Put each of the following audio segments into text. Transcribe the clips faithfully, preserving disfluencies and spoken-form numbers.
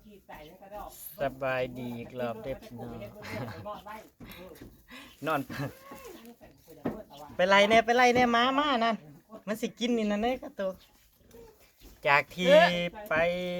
สบายดีอีกรอบเด็บนอนนอนไปไล่เนี่ยไปไล่เนี่ยม้ามานั่นมันสิกินนี่นั่นเองครับตัวจากที่ไป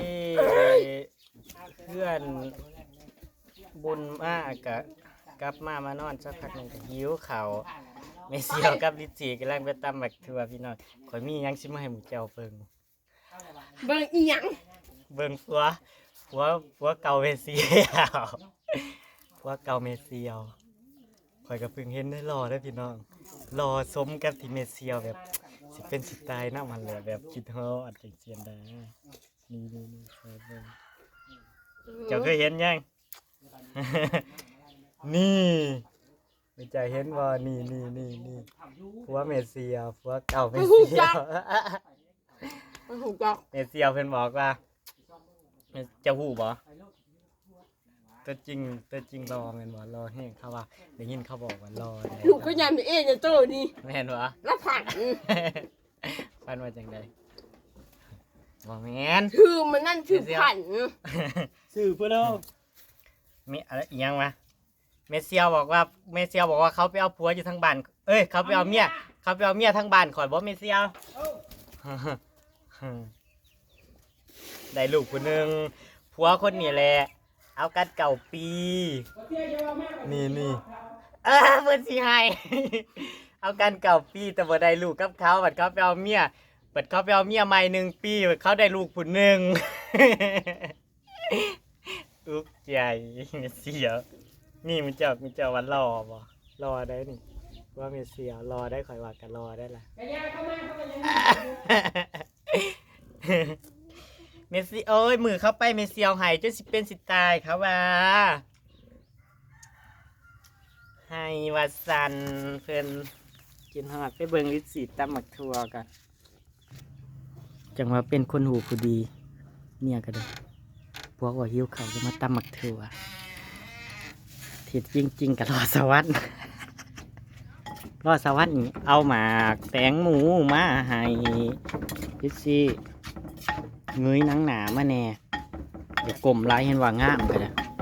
เพื่อนบุญมากกะกลับมามานอนสักพักหนึ่งก็หิวเข่าเมเซียวกับลิจีกำลังไปตำบักทัวพี่น้องข่อยมียังสิมาให้หมูเจ้าเบิ่งเบิ่งอีหยังเบิ่งผัวผัวผัวเก่าเมเซียวผัวเก่าเมเซียวข่อยก็เพิ่งเห็นได้รอได้พี่น้องรอสมกับที่เมเซียวแบบสิเป็นสิตายน้ามันเลยแบบคิดฮอดจังเสียนได้นี่นี่นี่เบิ่งเจ้าเคยเห็นยัง นี่ไม่ใจเห็นว่านี่นี่นี่นี่ผัวเมเซียวผัวเก่าเมเซียวมันหูจักเมเซียวเพิ่นบอกว่าจะหูบ่ตัวจริงตัวจริงรอแม่นบ่รอแห้งเขาว่าได้ยินเขาบอกว่ารอได้ลูกก็ยามเองเนี่ยโตนี่แม่นบ่แล้วผันฟันว่าจังได๋บ่แม่นคือมันนั่นคือผันชื่อเพิ่นเนาะมีอะไรอีหยังวะเมเซียวบอกว่าเมเซียวบอกว่าเขาไปเอาผัวอยู่ทางบ้านเอ้ยเขาไปเอาเมียเขาไปเอาเมียทางบ้านข่อยบ่เมเซียวได้ลูกคนหนึ่งผัวคนนี้แหละเอากันเก่าปีนี่นี่เออเพื่อนสิให้ เอากันเก่าปีแต่บ่ได้ลูกกับเขาบัดเขาไปเอาเมียบัดเขาไปเอาเมียใหม่หนึ่งปีบัดเขาได้ลูกคนหนึ่ง อุ๊กใจเสียนี่มันเจ้ามันเจ้าวันรอบ่รอได้นี่ว่าเมเสียรอได้คอยว่ากันรอได้ล่ะ เมสซี่โอ้ยมือเข้าไปเมสซี่เอาไห้จนสิเป็นสิตายเขาว่าให้ว่าสันเพิ่นกินหอดไปเบิ่งลิสีตำหมักทัวกันจังว่าเป็นคนหูผู้ดีเนี่ยก็ได้พวกว่าหิวเขาจะมาตำหมักทัวถิดจริงๆกับรอสวรรค์ รอสวรรค์นี่เอาหมากแตงหมูมาให้ลิซี่เงยหนังหนามาแน่เดี๋ยวกลมไล่เห็นว่างามไปเลย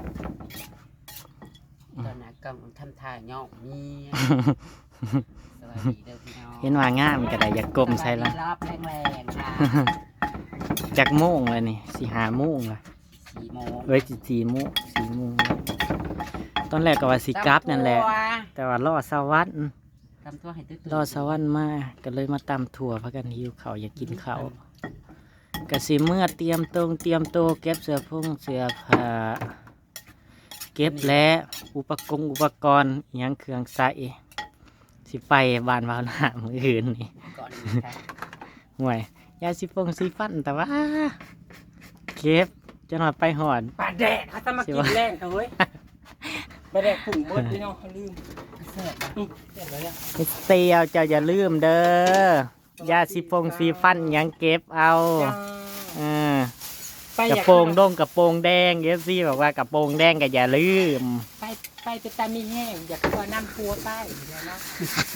ตอนนั้นกำลังทำท่าย่องมีสวัสดีเด้อพี่น้องเห็นว่างามก็ได้อย่ากลมใส่ละรอบแรงๆค่ะจากโมงเลยนี่สี่หาโมงละสี่โมงเอ้ยสี่โมงสี่โมงตอนแรกก็ว่าสีกราฟนั่นแหละ แต่ว่ารอสวรรค์ตำทั่วให้ตื้อรอสวรรค์มาก็เลยมาตำถั่วพักกันหิวเขาวอยากกินเขาวกะสิเมื่อเตรียมตรงเตรียมโตวเก็บเสื้อผงเสื้อผ้าเก็บและอุปกรณ์อุปกรณ์อิหยังเครื่องใส่สิไปบ้านวาวหน้ามืออื่นนี่ก่อนนี้ค่ะห่วยยาสีฟงสีฟันแต่ว่าเก็บจะหน่อยไปหอนปลาแดดเขาจะมากินแรงเอ้ยปลาแดดผุ่งเบิดพี่น้องเขาลืมเสิร์ฟนะเสร็จแล้วเนี่ยมิสเตียวเจ้าอย่าลืมเด้อยาสีฟงสีฟันอิหยังเก็บเอาเออไปกระโปรงด้งกระโปรงแดงเอฟซีบอกว่ากระโปรงแดงก็อย่าลืมไปไปไปตามีแห้งอยากตัวน้ำพัวใต้เนาะ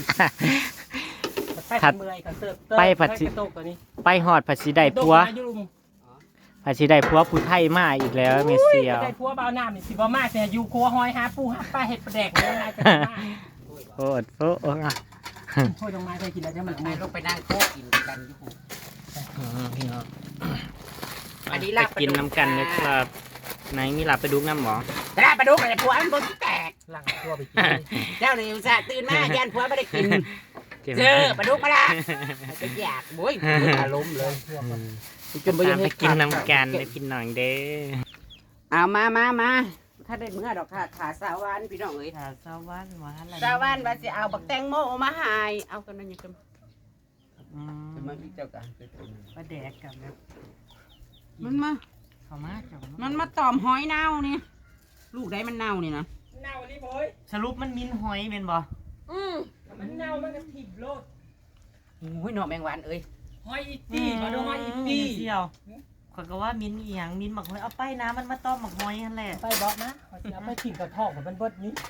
ไปเมื่อยเขาเสิร์ฟกระโตกตัวนี้ไปหอดผัดสีได้ผัวผัดสีได้ผัวผู้ไทยมาอีกแล้วเมสเซียวได้พัวเบาหน้ามีสิบมาแต่อยู่ครัวหอยหาปูหาปลาเห็ดปลาแดกเลยนายกันมาโคตรโฟอ่ะช่วยลงมาเคยกินแล้วใช่ไหมไปลงไปนั่งโต๊ะกินกันอยู่หูพี่น้องอันนี้ไปลาบกินน้ำกันนะครับไหนมีหลับไปดูน้ำหมอลาบปลาดุกอะไรผัวมันบนแตกหลังพัวไปกินเจ้าเนี่ยอุตส่าห์ตื่นมายันผัวไม่ได้กินเจอปลาดุกมาละจะอยากโว้ยอารมณ์เลยจนไปกินน้ำกันไปกินหน่อยเด้อเอามามามาถ้าได้เมื่อดอกค่ะขาสาวันพี่น้องเอ้ยขาสวรรค์มาอะไรสาวันว่าจะเอาบักแตงโมมาให้เอากันนั่นยังกันมันมีเจ้ากันประแดกกับแบบมันมาเขามาจังมันมาตอมหอยเน่านี่ลูกได้มันเน่านี่นะเน่านี่บ่อยสรุปมันมินหอยเป็นบ่อืมมันเน่ามันก็ถีบโลดโอ้ยหน่อแมงวันเอ้ยหอยอีตี้มาดูหอยอีตี้เดียวข้อยก็ว่ามินอีหยังมินหมักหอยเอาไปนะมันมาต้มหมักหอยนั่นแหละไปบอกนะเอาไปถิ่นกระทอกมันเบิดนี้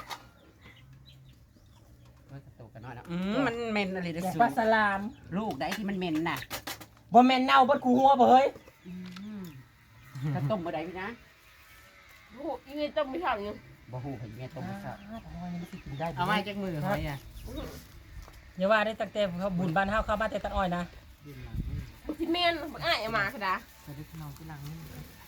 อืมมันเหม็นอะไรเด้ออย่างสูปลาสลามลูกได้ที่มันเหม็นน่ะบ่แม่นเน่าเบิดกูหัวบ่เฮ้ยถ้าต้มบ่ได้พี่นะโอ้โหอีนี่ต้องไม่ทำยังบ่ฮู้เห็นแม่ต้มซะหอยนี่มันสิกินได้เอามาจากมือหอยอ่ะอย่าว่าได้ตั้งแต่เขาบุญบ้านเฮาเข้ามาแต่ตัดอ้อยนะที่เมนอ้ายเอามาค่ะดาสวัสดีพี่น้องที่หลังนี่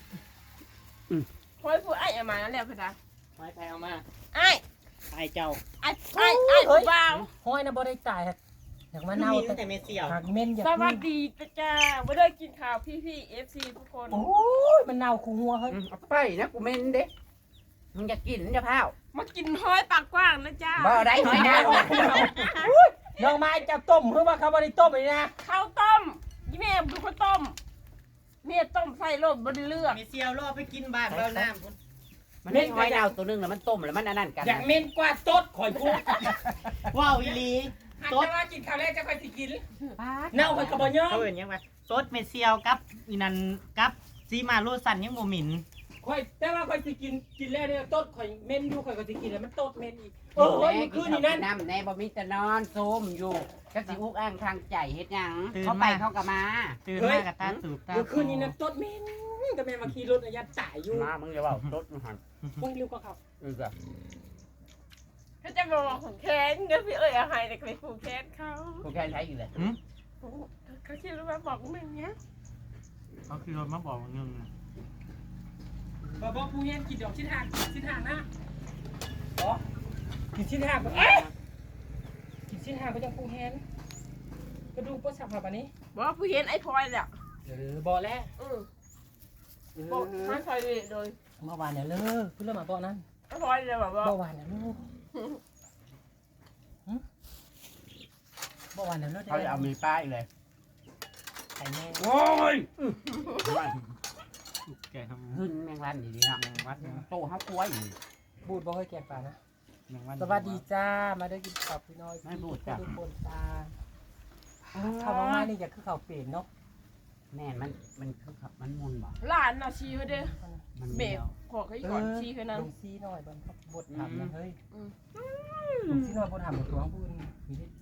คอยพูดอ้ายเอามาแล้วแล้วค่ะดาหอยแพงมาอ้ายไอเจ้าอ้ายอ้ายอ้ายผู้บ่าวหอยน่ะบ่ได้จ่ายครับอยากมาคือเน่ามีแต่ตั้งแต่เมเซียวหากเม่นอยากสวัสดีจ้าไม่ได้กินข้าวพี่พี่เอฟซีทุกคนโอ้ยมันเน่าคูหัวเฮ้ยเอาไปนะกูเม่นเด้มึงอยากกินจะพาวมากินหอยปากกว้างนะจ้าบ่ได้หอยนะน้องไม้จะต้มเพื่อว่าเขาบ่ได้ต้มเลยนะข้าวต้มยี่แม่เป็นคนต้มเมียต้มใส่รสบนเลือกเมเซียวรอไปกินบ้านเราน้ำมันไม่หอยดาวตัวนึงแล้วมันต้มแล้วมันอันนั้นกันอยากเม่นกว่าต้ดข่อยพูดว้าวอีลีหันสดจะว่ากินข้าวแรกจะค่อยสิกินปาดเน่าข่อยก็บ่ยอมเขาเห็นยังไงสดเมเซียวกับอีนันกับซีมาโรสันยังบ่หมิ่นข่อยแต่ว่าข่อยสิกินกินแล้วเนี่ยต้ดข่อยเม่นอยู่ข่อยก็สิกินแล้วมันต้ดเม่นอีกเออเฮ้ยแม่มันกิคืนนข้าวนี่นั่นน้ำแน่บ่มีแต่นอนโซมอยู่จักสิอุกอ้างทางใจเฮ็ดหยังเขาไปเขาก็มาตื่นมากับตาสูบตาเมื่อคืนนี้นั่นต้ดเม่นก็แม่มาขี่รถอายัดจ่ายอยู่มามึงอย่าเว้ารถมึงหันมึงเร็วกว่าเขาเออจ้ะเขาจะมาบอกของแค้นเดี๋ยวพี่เอ้ยเอาให้แต่ไปผูกแค้นเขากูแค่ใช้อยู่เลยเขาคิดว่าบอกมึงเนี้ยเขาคือรถมาบอกว่าเงินบ่บ่ผู้เฮ็ดกินดอกชิ้นห่างชิ้นห่างนะบ่กินชิ้นห่างก็เอ๊ะกินชิ้นห่างก็ยังผู้เฮ็ดกระดูกบ่สับแบบนี้บอกว่าผู้เห็นไอ้พลอยแหละเออบ่แล้วอือบอกไม่พลอยเลยโดยเมื่อวานเนี่ยเลิกเพิ่นเริ่มมาบ่นั้นไอ้พลอยเลยบอกว่าเมื่อวานเนี่ยลูกเมื่อวานเนี่ยเลิกเขาจะเอามีป้ายเลยไข่แม่โอ้ยแกทำขึ้นแมงวันดีๆเนาะแมงวัดแมงโตเฮากล้วยอยู่บูดบ่เคยแกงปลานะวันสวัสดีจ้ามาได้กินข้าวพี่น้อยทุกคนจ้าข้าวมานี่จะคือข้าวเปลี่ยนเนาะแม่นมันมันคือขับมันมุนบ่หลานน่ะชี้เขาเด้อมันเบเดีรกยวขอเขาอีกก่อนชี้เขานั้นลงซีหน่อยบนครับบทถามนะเฮ้ยอืมลงซีหน่อยบนถามบทตัวของพูดมีดิ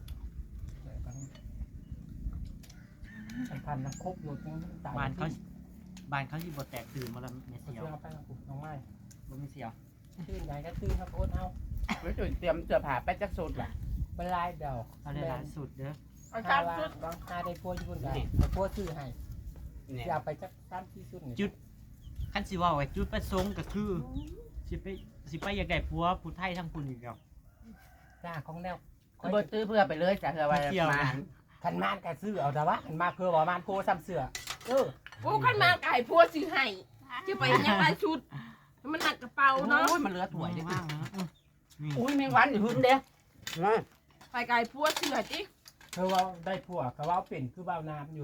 สัมพันธ์นะครบหมดยังตายบ้านเขาบ้านเขาที่บดแตกตื่นมาแล้วเมเสีเซียวยวไปนะกูน้องไม้บ่เมเซียวตื่นไหนก็ตื่นครับโอนเอาไว้จุดเตรียมเสื้อผ้าไปจักสุดล่ะเป็นลายเดาเอาได้หลายสุดเด้อเอาหาจานว่าชุดบางหาได้พัวญี่ปุ่นได้เอาพัวซื้อให้เนี่ยอย่าไปจักสามที่สุดจุดขั้นสิว่าไว้จุดประสงค์ก็คือสิไปสิไปอยากได้ผัวผู้ไทยทั้งคุณอีกแล้วจ้าของแนวคือบ่ซื้อเพื่อไปเลยจ้ะเพื่อไว้เกี่ยวมาขันมานก็ซื้อเอาแต่ว่าขันมาเพื่อว่ามานโพซ้ำเสือเออกูขันมาไก่พัวซื้อให้จะไปยังไงชุดมันหนักกระเป๋าเนาะโอ้ยมันเหลือถ้วยเด้ว่างนะนี่อุ้ยแมงวันอยู่หึ่นเด้มาไปไก่พัวซื้อให้จิเธอว่าได้ผัวก็ว่าเป็นคือบ่าวน้ำอยู่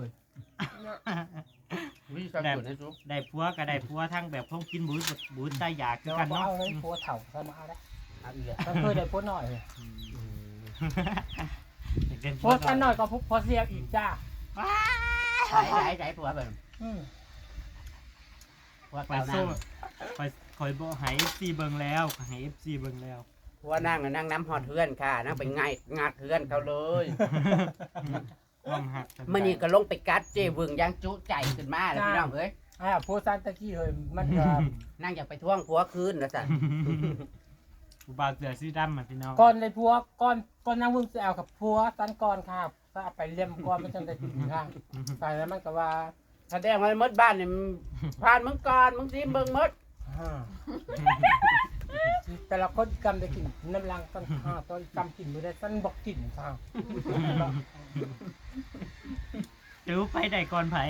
วิสังเกตให้สุได้ผัวก็ได้ผัวทั้งแบบพงกินบุญบุญใจอยากคือเรากันบ่เนาะเอาเลยผัวเถ่าก็มาเอาได้เอาอีกแล้วก็เคยได้ผัวหน่อยเลยอยากเป็นผัวกันหน่อยก็ผัวเสียอีกจ้าใช้ใช้ใช้ผัวเบิ่งอืมผัวไปเก่านั่สู้งคอยคอยบอกให้ เอฟ ซี เบิ่งแล้วให้ เอฟ ซี เบิ่งแล้วผัวนั่งน่ะนั่งน้ำหอดเทือนค่ะนั่งไปง่ายงัดเทือนเขาเลยความหักมื่อนี้ก็ลงไปกัดเจเบิ่งยังจุใจขึ้นมาแล้วพี่น้องเอ้ยอ่าผัวซันตะกี้เลยมันก็นั่งอยากไปท่วงผัวคืนนะสันผู้บ่าวเสือสีดำอ่ะพี่น้องก่อนได้ผัวก่อนก่อนนั่งวึ่งจะเอากับผัวซันก่อนค่ะก็เอาไปเลี้ยมก่อนมันจังได้กินข้างไปแล้วมันก็ว่าแสดงว่าหมดบ้านนี่ผ่านมึงก่อนมึงซิเบิ่งหมดอ่าแต่ละคนกำได้กินน้ำลังต้นข้าวต้นกำกินไม่ได้ต้นบอกกินข้าวเดี๋ยวไปได้ก่อนไผ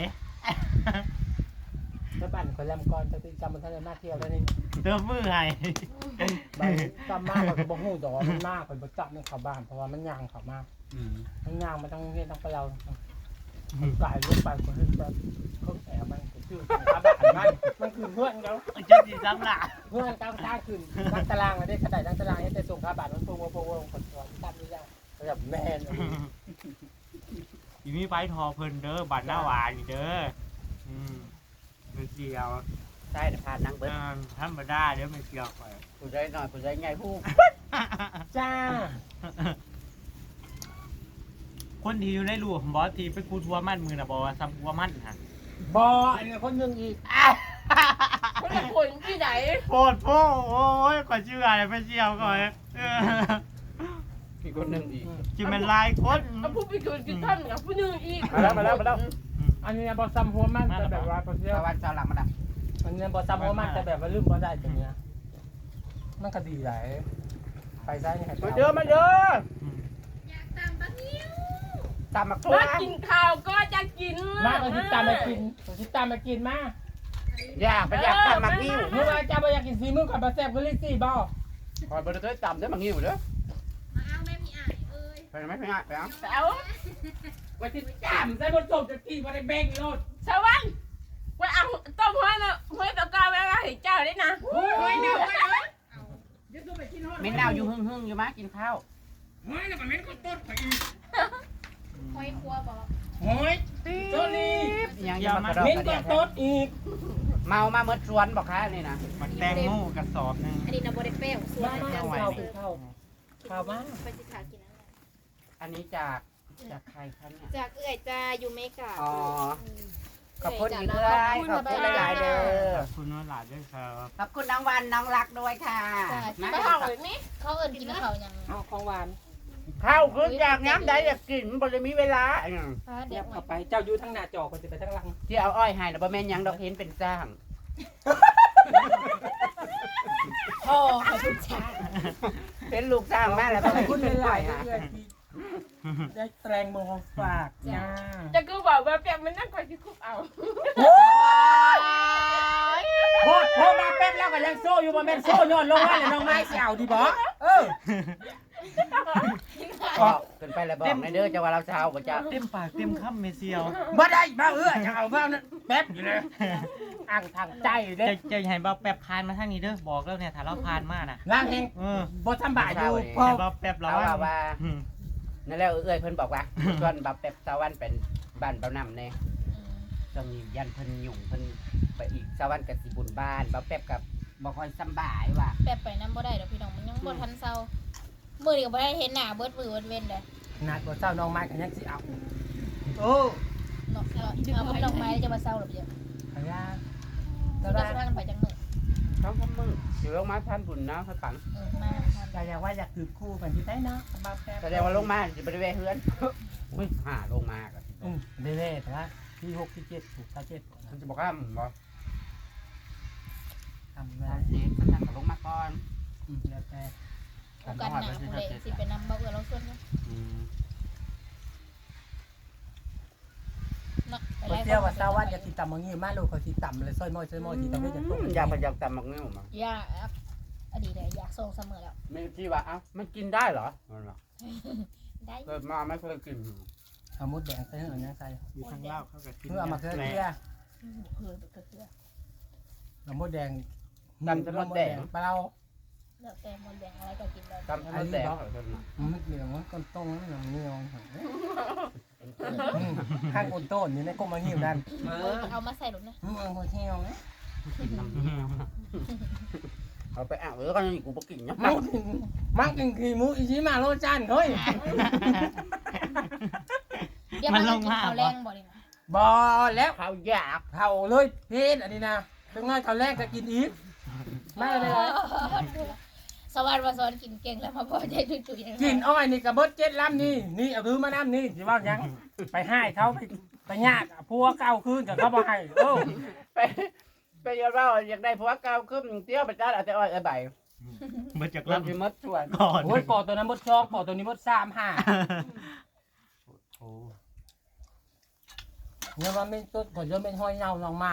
แล้วบ้านคนแรมก่อนจะติดจำมันท่านได้มาเที่ยวแล้วนี่เติมมือให้บ้านจำมากกว่าบ่ฮู้ดอกว่ามันมากกว่าบ่จับมันเข้าบ้านเพราะว่ามันย่างเข้ามามันย่างมันต้องเฮ็ดต้องไปเรากายลงไปคนนี้แบบเขาแอบมันก็ชื่อขาบ้านมันมันคือเพื่อนเขาจะสิซ้ำล่ะเพื่อนก้าวข้างขึ้นนักตารางอะได้กระไดนักตารางให้แต่ส่งขาบ้านมันโปงโปงโปงคนตัวตั้งนี่ยังแบบแม่นอีมีไปทอเพิ่นเด้อบัตรหน้าหวานนี่เด้ออืมไม่เกี่ยวใช่แต่ผ่านนั่งเบิ้เอลอธรรมดาเดี๋ยวไม่เกี่ยวไปผู้ใจหน่อยผู้ใจใหญ่ผู้จ้าคนที่อยู่ในรูของบอสที่ไปคูทัวมันมือน่ะบอกว่าซ้ำทัวมันฮะบออันนี้คนหนึ่งอีกคนละคนที่ไหนโพดโพโอ้ยก่อนชื่ออะไรไปเชียวก่อนเออมีคนหนึ่งอีกจิมันลายคนเอาผู้ไปกินกินท่านกับผู้หนึ่งอีกมาแล้วมาแล้วมาแล้วอันนี้บอซัมหัวมันแต่แบบว่าเสียตะวันเจ้าหลังมันอ่ะอันนี้บอซัมหัวมันแต่แบบว่าลืมบอได้ตรงนี้มันก็ดีหลายไปซ้ายนี่มาเยอะมาเยอะตามมาตัวมากินข้าวก็จะกินมาเอาทิตามมากินทิตามมากินมาอยากไปอยากทำมักงิ้วเมื่อวานจะไปอยากกินซีมือกับปลาแซ่บก็ลิซี่บ่คอยบริเตอร์จำได้มักงิ้วเด้อมาเอาแม่มีอ่ายเอ้ยไปไหมไปไหมไปเอาเอาวันที่จำใส่บนศพจะกินมาได้แบ่งโลดสวรรค์ว่าเอาต้มห้อยนะห้อยตะกาไว้ให้เจ้าได้นะโอ้ยเนาะมิ้นดาวอยู่หึ่งหึ่งอยู่มั้ยกินข้าวโอ้ยแล้วมันเป็นคนต้นไปอีกคอยครัวบอกโอ้ยโซนี่ยังยังมากระดอกเป็นกระคเดียนกต้นอีกเมามาเมื่อชวนบอกค่ะนี่นะมันแตงโมกระสอบนึงอันนี้นะโบเดเป้ส่วนมาจะมาใส่ข้าวข้าวข้าวมาไปสิขากินอะไรอันนี้จากจากใครคะเนี่ยจากเอื้อยจะอยู่เมกาอ๋อขอบคุณอีกเลยขอบคุณหลายๆเด้อขอบคุณน้องหลานด้วยครับขอบคุณน้องวันน้องรักด้วยค่ะมาไม่ห้องเลยนี่เขาเอิญกินเขายังเอาของหวานข้าวคือจากย้ำได้อยากกินบริมีเวลาฟ้าเดี๋เดี๋ยยว วเข้าไปเจ้าอยู่ทั้งหน้าจอคนจะไปทั้งหลังที่เอาอ้อยให้นะบ่แม่นยังดอกเห็นเป็นจ้างพ่อขอบคุณจ้าเป็นลูกจ้างมาแล้วขก็อบเลยคุณเป็นหอ้ลาอย ยๆฮะเพื่อนที่ได้แตงโมของฝากจ้าจะกูบอกว่าเปียกมันนั่งคอยที่คุกเอาโคตรโคตรมาเป็นแล้วก็ยังโซ่อยู่บ่แม่นโซ่ย้อนลงมาเลยน้องไม้สิเอาดีบ่เออก็เกินไปแล้วบอกในเด้อจะว่าเราเช้าบ่จ้าเต็มปากเต็มคำเมเซียวบ่ได้บ่เออจะเอาบ่นั่นแป๊บอยู่เลยอ่างทางใจเด้จะจะให้บ่าแป๊บพานมาทางนี้เด้อบอกแล้วเนี่ยถ้าเราพานมาน่ะนางเฮงเออบ่ทำบาอยู่พอให้บ่าแป๊บเราเอาว่าว่าว่านั่นแล้วเอ้ยเพิ่นบอกว่าชวนบับเป็บสาวันเป็นบ้านเบาน้ำแน่ตรงนี้ยันเพิ่นยุ่งเพิ่นไปอีกสาวันกับสิบุญบ้านบับเป็บกับบ่ค่อยสำบายว่ะแป๊บไปน้ำบ่ได้เดี๋ยวพี่น้องมันยังบ่ทันเศร้ามือเดียวบ่ได้เห็นหน้าเบิดมือเบิดเว้นเด้อนัดบ่เจ้าน้องไม้ก็ยังสิเอาโอ้เนาะเอาเอาบ่ดอกไม้จะมาเศร้าหรอกเดี๋ยวขยาจะแต่ได้ว่าสิพากันไปจังมื้อท้องทำมือสิลงมาท่านบุญนะให้ปังเออมาทำก็อยากว่าอยากถือคู่กันที่ได้เนาะบ่าวแป๊บแสดงว่าลงมาสิบ่ได้แวะเฮือนอุ้ยหาลงมาก็อืมเด้ๆแต่ว่าที่หกที่เจ็ดถูกที่เจ็ดมันจะบอกว่าบ่ทำได้ได้สิมันนั่งก็ลงมาก่อนอืมแล้วแต่โอกาสหน้าผู้ใดสิไปนำบ่เอื้อเราส่วนเนาะอืมเนาะไปบ่ไล่เที่ยวว่าเช้าวันอยากกินตำมังงี้มาลูกเขาสิตำเลยซอยมอยซอยมอยที่ต้องให้จังตุ้มอยากไปอยากตำมักนิ้วมาอยากอดีตเลยอยากส่งเสมอแล้วไม่ที่ว่าเอ้ามันกินได้เหรอมันบอกได้เกิดมาไม่เคยกินเอามุดแดงใส่เหือยังใส่อยู่ทางเล่าเข้ากับกินเพื่อเอามาเคลื่อนเที่ยเพื่อเพื่อเอามุดแดงตำจะมดแดงปลาเราเลือกแต่มนแดงอะไรก็กินได้ตำให้มดแดงเหรอเพิ่นน่ะมันเหลืองมันก้นต้งมันเหนียวข้างก้นต้นนี่ในก้มมังงี้นั่นเออเอามาใส่หลุมนะมึงเอาหัวเที่ยวนะเอาไปอ่ะเออก็ยังกูบ่กินเนาะมังกินมังกินขี้มูอีชิมาโรจานเฮ้ยเดี๋ยวมันกินข้าวแรงบ่ดินะบอแล้วข้าวอยากเผาเลยเพศอันนี้นะถึงง่ายเขาแรกจะกินอีกไม่เลยสวัสดิ์ว่าสอนกินเก่งแล้วมาพอใจจุ๋ยๆกินอ้อยนี่กระเบิดเจ็ดล้ำนี่นี่เอาถือมาน้ำนี่สิว่ายังไปให้เขาไปไปญาติพัวเก่าคืนกับเขาบ่ให้โอ้ไปไปยาเราอยากได้ผัวเก่าขึ้นเตี้ยวไปจ้าเอาแต่อ้อยเอาใบมาจากรัลบสิมดชวนำก่อนโอ้ยปอตัวนั้นมดชอกปอตัวนี้มดสามห้าโอ้เนี่ยว่าไม่ต้นก่อนจะเป็นห้อยเงาลองไม้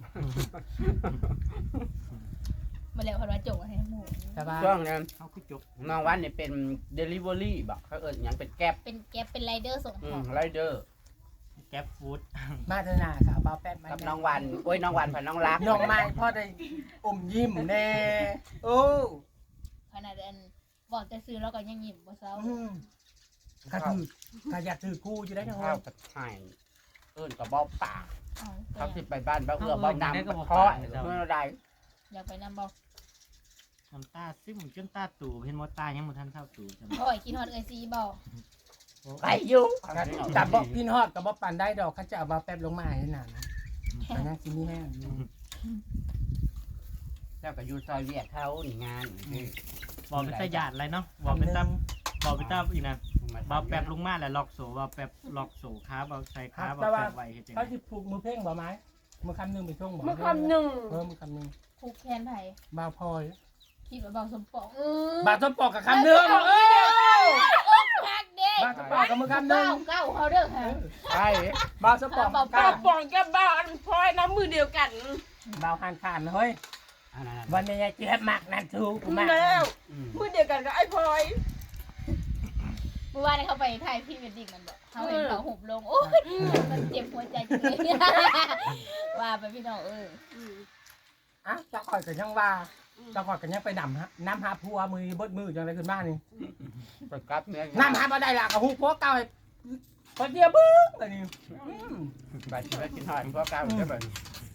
มาแล้วพอว่าจงให้หมูแต่ว่าช่วงนั้นเขาคือจบน้องวันนี่เป็นเดลิเวอรี่บอกเขาเอิ้นหยังเป็นแก๊ปเป็นแก๊ปเป็นไรเดอร์ส่งอืขอมงไรเดอร์แก๊ปฟู้ดมาเถอะนาค่ะเบาแป๊บมากับน้องวันโอ้ยน้องวันผ่านน้องรักน้องไม้พ่อได้อมยิ้มแน่โอ้ขนาดอันบอกจะซื้อแล้วก็ยังยิ้มบ่เศร้าอืมก็ถือก็อยากถือคู่อยู่ได้ทั้งข้านั้วน กับไห่เอิ้นกับเบ้าปากเอาเขาสิไปบ้านเบ้าเอื้อเบ้าน้ำกับเพาะเมื่อใดอยากไปนำบอกน้ำตาซิ่มจนตาตู่เห็นมอตายังบ่ทันเท่าตู่จังโอ้ยกินฮอตเอยซีบอกไปอยู่กับบอกพี่ฮอดกับบอกปันได้ดอกเขาจะเอาเบาแป๊บลงมาให้นานนะแต่ยังกินนี่แห้งอยู่แล้วก็อยู่ซอยเวียดเขานี่งานบอกเป็นตาหยาดอะไรเนาะบอกเป็นตาบอกเป็นตาอีกนะบาแป๊บลงมาแล้วล็อกโซ่บาแป๊บล็อกโซ่ขาบาใส่ขาบาแป๊บไว้เฮ็ดจังเขาได๋สิผูกมือเพ่งบ่ไหมมือคำหนึงไปช่วงบ่เมื่อคำหนึ่งเออมือคำหนึงผูกแขนไผบ่าวพลอยคิดว่าเบาสมปองบ่าวต้นปอกกับคำหนึงเออฮักเด้บ่าวต้นปอกกับมือคำหนึเก้าง เก้าเขาเด้อค่ะใช่บ่าวต้นปอกบ่าวก้าป้าว ปองกับบ้าอันพลอยน้ำมือเดียวกันบ่าวหันขานเฮ้ยอันนั้นวันนี้เจ็บมากนั่นถูกมากแล้วมือเดียวกันกับไอ้พลอยเมื่อวานเขาไปถ่ายพรีเวดดิ้งมันบอกเขาเห็นเขาหุบลงโอ้ยมันเจ็บหัวใจจังเลยว่าไปพี่น้องเอออ่ะเจ้าข่อยกันยังว่าเจ้าข่อยกันยังไปนำฮะน้ำหาผัวมือเบิดมือจังไรขึ้นบ้านนี่ไปกลับเมียน้ำหาบ่ได้ละกับหูผัวเก่าให้คนเดียวบึ้งอันนี้ไปที่ไปกินหอยพวกเก้าได้บ่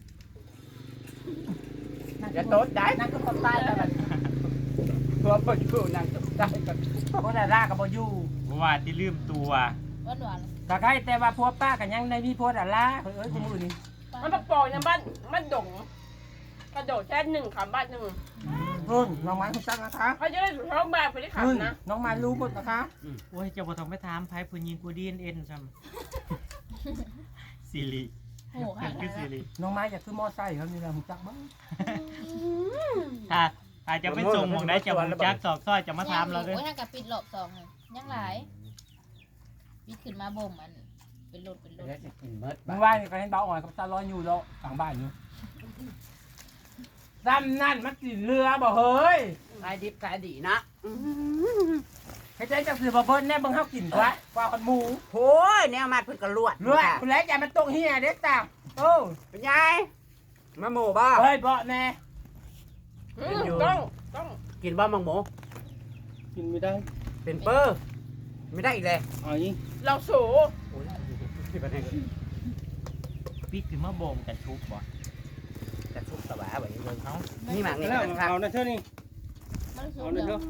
จะโต๊ดได้นั่นก็คนตายแล้วมันพวกบ่อยู่นั่งตกได้กันคนละร่ากับบ่อยู่บ่ว่าที่ลืมตัวหวานหวานก็ใครแต่ว่าผัวป้ากันยังในมีผัวดาราเฮ้ยเอ้ยกูมือนี่มันมาปองในบ้านมันดงกระโดดแค่หนึ่งขำบ้านหนึ่งรุ่นน้องไม้คุณจังนะคะเขาจะได้ถูกท้องบ้านไปได้รุ่นขำนะน้องไม้รู้หมดนะคะโอ้ยเจ้าบ่ต้องไปถามไผผู้หญิงผู้ดีเอ็นซ้ำสิริโอ้ค่ะคือสิริน้องไม้อยากขึ้นมอไซค์เขานี่แหละคุณจักบ้างถ้าอาจจะไปส่งหม่องใดเจ้าบ่จักสอกซอยจะมาถามเราเด้อโอ้ยทางกับปิดรอบสองเลยยังหลายปิดขึ้นมาบ่มอันเป็นรถเป็นรถแล้วจะกินเมิดมึงว่านี่ก็เห็นเบาอ่อนกับตาลอยอยู่แล้วฝั่งบ้านอยู่ซ้ำนั่นมันกินเรือบ่เฮ้ยขายดิบขายดีนะให้ใจจับสื่อบ่เพิ่นแน่เบิ่งเฮากินกว่าว่าคนหมูโอ้ยแนวมาเพิ่นก็ลวดรวยคุณแล้วอย่ามาตกเฮียเด้จ้าโอ้เป็นไงมาหมูบ่เฮ้ยบ่แน่ต้องต้องกินบ่มังหมูกินไม่ได้เป็นเปอร์ไม่ได้อีกเลยเอาอีเราโสโอ้ยที่ประเทศปิดขึ้นมาบ่มกันทุบบ่จะทุบตะหวาไว้เลยเอ้านี่หมากนี่แล้วกันครับเอานะเท่านี้มันสูเอางนะเดีเท่ายว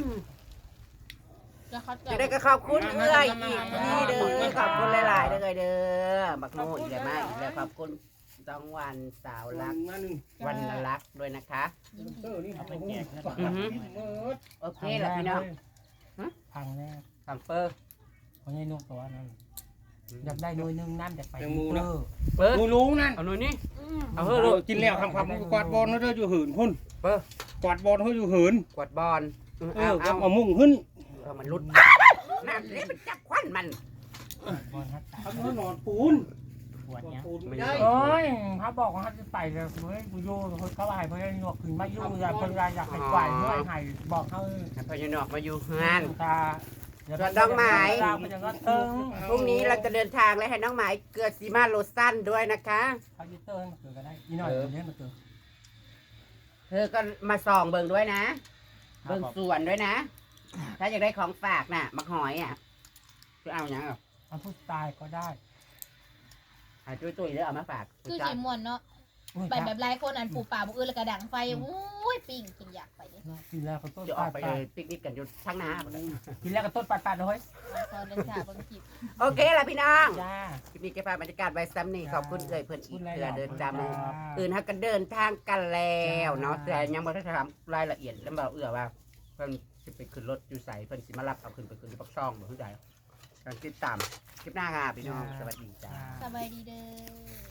จะคัดจะได้ก็ขอบคุณเอื้อยอีกนี่เด้อขอบคุณหลายๆเด้อเด้อบักโมอีกแล้วมาอีกแล้วขอบคุณต้องวันสาวรักมาหนึ่งวันรักด้วยนะคะเออนี่เอาไปแจกกันอือฮึโอเคแล้วพี่น้องพังแน่ทำเปอร์เพราะไงนกตัวนั้นอยากได้หน่วยหนึงน้ำอยากไปแตงโมนะเออเปอร์กูรู้นั่นเอาหน่อยนี่เอาเอาเฮ้ยลูกกินแล้วทำความกวาดบอลเขาเด้ออยู่หืนพุ่นเปอร์กวาดบอลเขาอยู่หืนกวดบอลเอเอาอเอาเอามุ่งขึ้นเอามันรุดนั่นนี่มันจับควันมันบอลฮัตตาทำให้นอนปูนปวดยังปูนไม่ได้โอ้ยเขาบอกว่าเขาจะไปเลยเฮ้ยกูอยู่เขาไปเพราะไอ้หนวกขึ้นมาอยู่อยากคนอยากให้ไหวเมื่อไหร่บอกเขาให้พญานอกมาอยู่งานตาส่วนดอกไม้มันจะก็เติงพรุ่งนี้เราจะเดินทางและให้น้องหมายเกลือซีมาโลชั่นด้วยนะคะเขาจะเติงมาเกิดก็ได้อีหน่อยเนี้ยมาเกิดเธอก็มาส่องเบิ่งด้วยนะ เบิ่งสวนด้วยนะ ถ้าอยากได้ของฝากน่ะมักหอยอ่ะจะเอาอย่างอ่ะเอาผู้ตายก็ได้หาจุ้ยๆเด้อเอามาฝากคือสีม่วนเนาะไปแบบหลายคนอันปูป่าบุกอื่นแล้วก็ดังไฟอุ้ยปิ้งกินอยากไปดิกินแล้วก็ต้นจะออปาก ดไปปาดปิกนิกกันอยู่ข้างหน้าหมดเลยกินแล้วก็ต้นปาดปาดเลยตอนเดินทางบางทีโอเคล่ะพี่น้องจ้าคลิปนี้เก็บภาพบรรยากาศไว้ซ้ำนี่ขอบคุณเอ่ยเพื่อนอีกคุณหลายๆเพื่อเดินจำครับอื่นฮักกันเดินทางกันแล้วเนาะแต่ยังไม่ได้ถามรายละเอียดแล้วบอกเอื้อว่าเพิ่นจะไปขึ้นรถอยู่ใส่เพิ่นสิมารับเอาขึ้นไปขึ้นที่ปักช่องบ่เข้าใจการติดตามคลิปหน้าค่ะพี่น้องสวัสดีจ้าสบายดีเด้อ